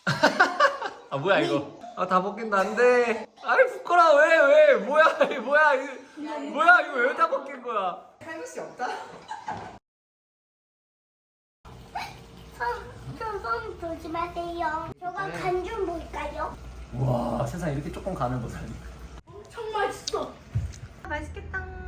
아 뭐야 이거? 아 다 벗긴다 안돼. 아이 부끄러워 왜 뭐야 이거 뭐야 이거 왜 다 벗긴 거야? 할수 없다. 손 조심하세요. 저가 간 좀 볼까요? 와 세상 이렇게 조금 가는 거 사니. 엄청 맛있어. 맛있겠다.